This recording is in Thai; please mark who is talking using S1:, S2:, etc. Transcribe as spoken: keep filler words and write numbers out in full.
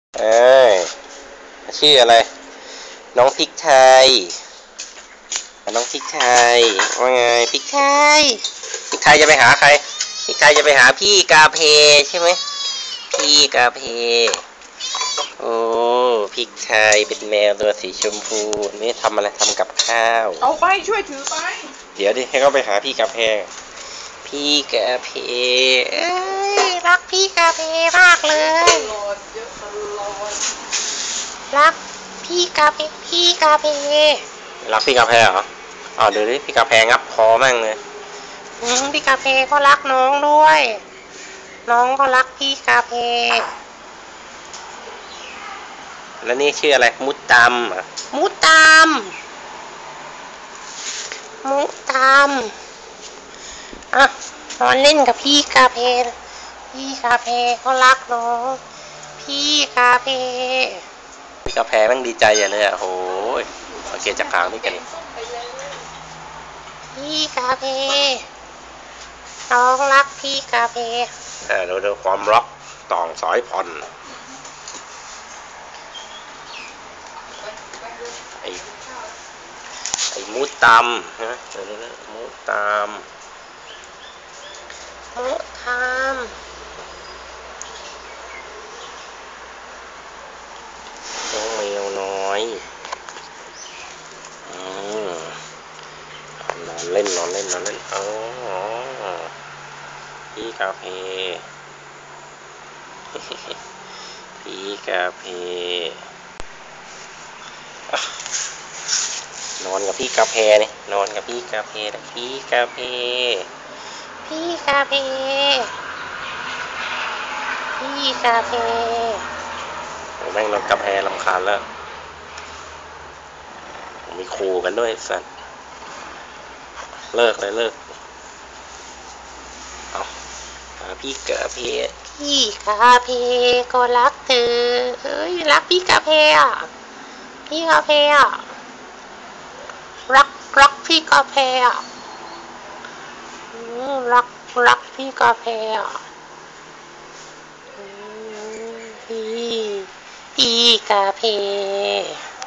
S1: เอ้ยชื่ออะไรน้องพริกไทยน้องพริกไทยว่าไงพริกไทยพริกไทยจะไปหาใครพริกไทยจะไปหาพี่กาเพใช่ไหมพี่กาเพโอ้พริกไทยเป็นแมวตัวสีชมพูนี่ทำอะไรทำกับข้าว
S2: เอาไปช่วยถือไป
S1: เดี๋ยวดิให้เขาไปหาพี่กาเพพี่กาเพเอ้ยรักพี่กาเพมากเลยรักพี่กาเพพี่กาเพรักพี่กาเพเหรออ๋อเดี๋ยวนี้พี่กาเพงับคอแม่งเลยอืมพี่กาเพก็รักน้องด้วยน้องก็รักพี่กาเพแล้วนี่ชื่ออะไรมุตตามมุตตามมุตตามอ่ะนอนเล่นกับพี่กาเพพี่กาเพก็รักน้องพี่กาเพพี่กาเพแม่งดีใจอย่างเลยอ่ะโหยสังเกตจากหางนี่กันพี่กาเพน้องรักพี่กาเพเออดูดูความรักต่องสายพันธุ์ไอ้ไอ้มูตามนะเดี๋ยวนะมูตามมูตามน้องแมวน้อยอืมนอนเล่นนอนเล่นนอนเล่นอ๋อพี่กาเพพี่กาเพนอนกับพี่กาเพนี่นอนกับพี่กาเพนะพี่กาเพพี่กาเพพี่กาเพโอ้แม่งนอนกาเพรำคาญแล้วมีขู่กันด้วยสัตว์เลิกเลยเลิกเอาพี่กาเพพี่กาเพก็รักเธอเฮ้ยรักพี่กาเพอ่ะพี่กาเพอ่ะรักรักพี่กาเพอ่ะรักรักพี่กาเพอ่ะพี่พี่กาเพ